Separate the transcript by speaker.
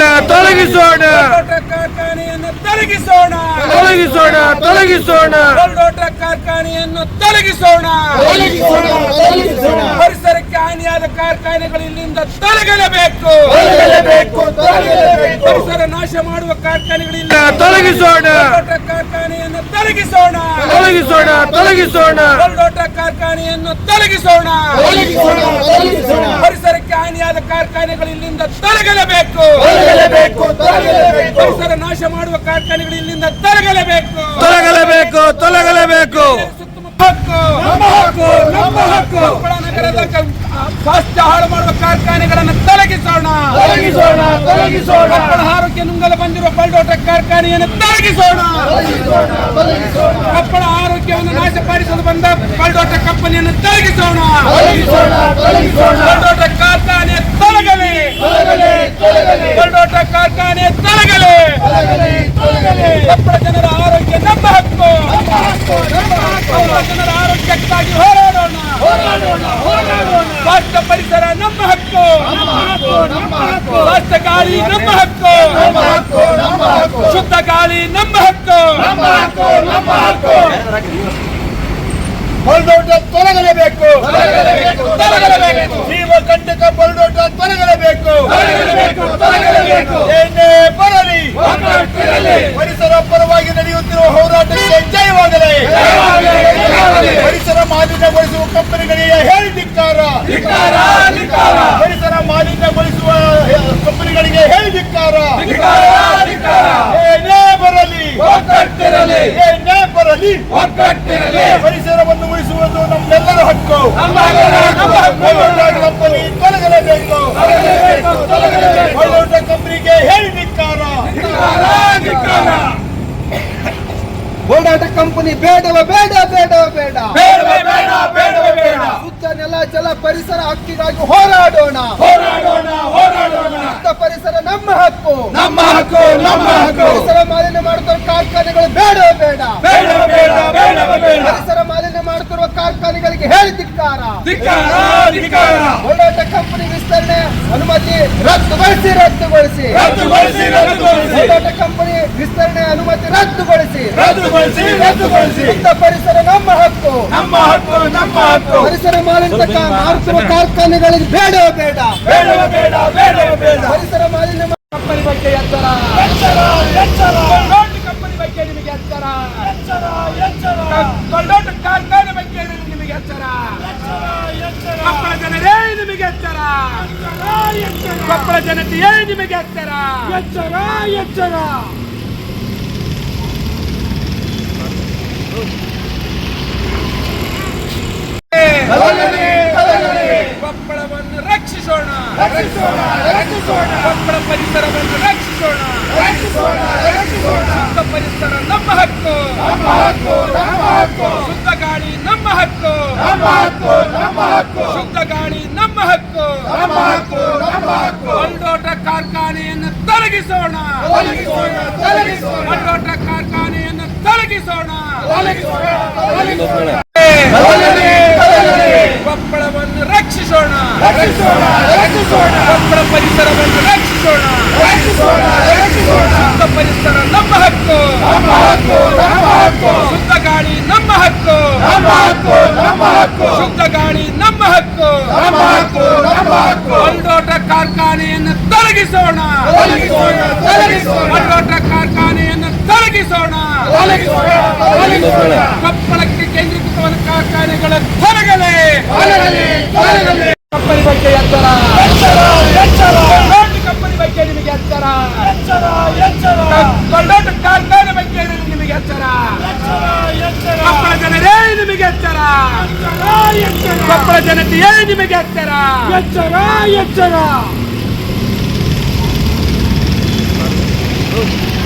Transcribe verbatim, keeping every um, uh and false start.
Speaker 1: ತೊಲಗಿಸೋಣ
Speaker 2: ಕಾರ್ಖಾನೆಯನ್ನು ತೊಲಗಿಸೋಣ
Speaker 1: ತೊಲಗಿಸೋಣ ತೊಲಗಿಸೋಣ
Speaker 2: ಕಾರ್ಖಾನೆಯನ್ನು ತೊಲಗಿಸೋಣ ಪರಿಸರಕ್ಕೆ ಹಾನಿಯಾದ ಕಾರ್ಖಾನೆಗಳು ಇಲ್ಲಿಂದ ತೊಲಗಲೇಬೇಕು ಪರಿಸರ ನಾಶ ಮಾಡುವ ಕಾರ್ಖಾನೆಗಳಿಂದ
Speaker 1: ತೊಲಗಿಸೋಣ
Speaker 2: ಕಾರ್ಖಾನೆಯನ್ನು ತೊಲಗಿಸೋಣ
Speaker 1: ತೊಲಗಿಸೋಣ ತೊಲಗಿಸೋಣ
Speaker 2: ಕಾರ್ಖಾನೆಯನ್ನು ತೊಲಗಿಸೋಣ ಪರಿಸರಕ್ಕೆ ಹಾನಿಯಾದ ಕಾರ್ಖಾನೆಗಳು ಇಲ್ಲಿಂದ ತೊಲಗಲೇಬೇಕು ಪರಿಸರ ನಾಶ ಮಾಡುವ ಕಾರ್ಖಾನೆಗಳು ಇಲ್ಲಿಂದ ತೊಲಗಲೇಬೇಕು
Speaker 1: ತೊಲಗಲೇಬೇಕು ತೊಲಗಲೇಬೇಕು
Speaker 2: ಹಕ್ಕು ನಮ್ಮ ಹಕ್ಕು ಕೊಪ್ಪಳ ನಗರದ ಸ್ವಾಸ್ಥ್ಯ ಹಾಳು ಮಾಡುವ ಕಾರ್ಖಾನೆಗಳನ್ನು ತೊಲಗಿಸೋಣ
Speaker 1: ತೊಲಗಿಸೋಣ ತೊಲಗಿಸೋಣ
Speaker 2: ಕೊಪ್ಪಳ ಆರೋಗ್ಯ ನುಂಗಲು ಬಂದಿರುವ ಬಲ್ಡೋಟ ಕಾರ್ಖಾನೆಯನ್ನು ತೊಲಗಿಸೋಣ ಕೊಪ್ಪಳ ಆರೋಗ್ಯವನ್ನು ನಾಶಪಡಿಸಲು ಬಂದ ಬಲ್ಡೋಟ ಕಂಪನಿಯನ್ನು ತೊಲಗಿಸೋಣ ಬಲ್ಡೋಟ ಕಾರ್ಖಾನೆ ತೊಲಗಲಿ ಬಲ್ಡೋಟ ಕಾರ್ಖಾನೆ ತೊಲಗಲಿ ಕೊಪ್ಪಳ ಜನರ ಆರೋಗ್ಯ ನಮ್ಮ ಹಕ್ಕು ಕೊಪ್ಪಳ ಜನರ ಆರೋಗ್ಯಕ್ಕಾಗಿ ಹೋರಾಡೋಣ ಸ್ವಾಸ್ಥ್ಯ ಪರಿಸರ ನಮ್ಮ ಹಕ್ಕು ಸ್ವಾಸ್ಥ್ಯ ಗಾಳಿ ನಮ್ಮ ಹಕ್ಕು ಶುದ್ಧ ಗಾಳಿ ನಮ್ಮ ಹಕ್ಕು
Speaker 1: ಬಲ್ಡೋಟ ತೊಲಗಲೇಬೇಕು ಜೀವ ಕಂಟಕ ಬಲ್ಡೋಟ ತೊಲಗಲೇಬೇಕು ಏನೇ ಬರಲಿ ಪರಿಸರ ಪರವಾಗಿ ನಡೆಯುತ್ತಿರುವ ಹೋರಾಟಕ್ಕೆ ಜಯವಾಗಲಿ ಪರಿಸರ ಮಾಲಿನ್ಯಗೊಳಿಸುವ ಕಂಪನಿಗಳಿಗೆ ಹೇಳಿ ಧಿಕ್ಕಾರ ಪರಿಸರ ಮಾಲಿನ್ಯಗೊಳಿಸುವ ಕಂಪನಿಗಳಿಗೆ ಹೇಳಿ ಧಿಕ್ಕಾರ ಏನೇ ಬರಲಿ ಏನೇ ಬರಲಿ ಪರಿಸರವನ್ನು ಉಳಿಸುವುದು ನಮ್ಮೆಲ್ಲರ ಹಕ್ಕು ಕಂಪನಿ ತೊಲಗಲೇಬೇಕು ಕಂಪನಿಗೆ ಹೇಳಿ ಧಿಕ್ಕಾರ ಹೋರಾಟ ಕಂಪನಿ ಬೇಡವ ಬೇಡ ಬೇಡವ ಬೇಡ ಶುದ್ಧ ನೆಲ ಜಲ ಪರಿಸರ ಹಕ್ಕಿಗಾಗಿ ಹೋರಾಡೋಣ
Speaker 2: ಹೋರಾಡೋಣ ಹೋರಾಡೋಣ
Speaker 1: ಶುದ್ಧ ಪರಿಸರ ನಮ್ಮ ಹಕ್ಕು
Speaker 2: ನಮ್ಮ ಹಕ್ಕು ನಮ್ಮ ಹಕ್ಕು
Speaker 1: ಪರಿಸರ ಮಾಲಿನ್ಯ ಮಾಡುತ್ತಿರುವ ಕಾರ್ಖಾನೆಗಳು ಬೇಡವ ಬೇಡ
Speaker 2: ಬೇಡ ಬೇಡ ಬೇಡ ಬೇಡ
Speaker 1: ಪರಿಸರ ಮಾಲಿನ್ಯ ಮಾಡುತ್ತಿರುವ ಕಾರ್ಖಾನೆಗಳಿಗೆ ಹೇಳಿ ಧಿಕ್ಕಾರ
Speaker 2: ಧಿಕ್ಕಾರ ಧಿಕ್ಕಾರ
Speaker 1: ಹೋರಾಟ ಕಂಪನಿ ವಿಸ್ತರಣೆ ಅನುಮತಿ ರದ್ದುಗೊಳಿಸಿ ರದ್ದುಗೊಳಿಸಿ
Speaker 2: ರದ್ದುಗೊಳಿಸಿ ರದ್ದುಗೊಳಿಸಿ
Speaker 1: ಹೋರಾಟ ಕಂಪನಿ ವಿಸ್ತರಣೆ ಅನುಮತಿ ರದ್ದುಗೊಳಿಸಿ
Speaker 2: ರದ್ದುಗೊಳಿಸಿ ರದ್ದುಗೊಳಿಸಿ
Speaker 1: ಶುದ್ಧ ಪರಿಸರ ನಮ್ಮ ಹಕ್ಕು
Speaker 2: ನಮ್ಮ ಹಕ್ಕು ನಮ್ಮ ಹಕ್ಕು
Speaker 1: ಪರಿಸರ ಮಾಲಿನ್ಯ ಮಾಡುತ್ತಿರುವ ಕಾರ್ಖಾನೆಗಳಿಗೆ ಬೇಡವ ಬೇಡ
Speaker 2: ಬೇಡವ ಬೇಡ ಬೇಡವ ಬೇಡ
Speaker 1: ಪರಿಸರ ಮಾಲಿನ್ಯ
Speaker 2: ಕಂಪನಿ ಬಗ್ಗೆ ಎಚ್ಚರ ಎಚ್ಚರ ಎಚ್ಚರ ದೊಡ್ಡ ಕಂಪನಿ ಬಗ್ಗೆ ನಿಮಗೆ ಎಚ್ಚರ ಎಚ್ಚರ ಎಚ್ಚರ ದೊಡ್ಡ ಕಾರ್ಖಾನೆ ಬಗ್ಗೆ ನಿಮಗೆ ಎಚ್ಚರ ಎಚ್ಚರ ಎಚ್ಚರ ಕೊಪ್ಪಳ ಜನರೇ ನಿಮಗೆ ಎಚ್ಚರ ಎಚ್ಚರ ಕೊಪ್ಪಳ ಜನತೆಯೇ ನಿಮಗೆ ಎಚ್ಚರ ಎಚ್ಚರ ಎಚ್ಚರ ಕೊಪ್ಪಳವನ್ನು ರಕ್ಷಿಸೋಣ ಕೊಪ್ಪಳ ಪರಿಸರವನ್ನು ರಕ್ಷಿಸೋಣ ಶುದ್ಧ ಪರಿಸರ ನಮ್ಮ ಹಕ್ಕು ಶುದ್ಧ ಗಾಳಿ ನಮ್ಮ ಹಕ್ಕು ಶುದ್ಧ ಗಾಳಿ ನಮ್ಮ ಹಕ್ಕು ಬಲ್ಡೋಟ ಕಾರ್ಖಾನೆಯನ್ನು ತೊಲಗಿಸೋಣ ಬಲ್ಡೋಟ ಕಾರ್ಖಾನೆಯನ್ನು ತೊಲಗಿಸೋಣ ಕೊಪ್ಪಳವನ್ನು ರಕ್ಷಿಸೋಣ ಕೊಪ್ಪಳ ಪರಿಸರವನ್ನು ರಕ್ಷಿಸೋಣ ಶುದ್ಧ ಪರಿಸರ ನಮ್ಮ ಹಕ್ಕು ಶುದ್ಧ ಗಾಳಿ ನಮ್ಮ ಹಕ್ಕು ಶುದ್ಧ ಗಾಳಿ ನಮ್ಮ ಹಕ್ಕು ಬಲ್ಡೋಟ ಕಾರ್ಖಾನೆಯನ್ನು ತೊಲಗಿಸೋಣ ಬಲ್ಡೋಟ ಕಾರ್ಖಾನೆಯನ್ನು ತೊಲಗಿಸೋಣ ಕೊಪ್ಪಳಕ್ಕೆ ಕೇಂದ್ರೀಕೃತವಾದ ಕಾರ್ಖಾನೆಗಳ ತೊಲಗಲೇ ಕಂಪನಿ ಬಗ್ಗೆ ಎಚ್ಚರ ದೊಡ್ಡ ಕಂಪನಿ ಬಗ್ಗೆ ನಿಮಗೆ ಎಚ್ಚರ ದೊಡ್ಡ ಕಾರ್ಖಾನೆ ಬಗ್ಗೆ ನಿಮಗೆ ಎಚ್ಚರ ಕೊಪ್ಪಳ ಜನರೇ ನಿಮಗೆ ಎಚ್ಚರ ಕೊಪ್ಪಳ ಜನತೆಯೇ ನಿಮಗೆ ಎಚ್ಚರ ಎಚ್ಚರ ಎಚ್ಚರ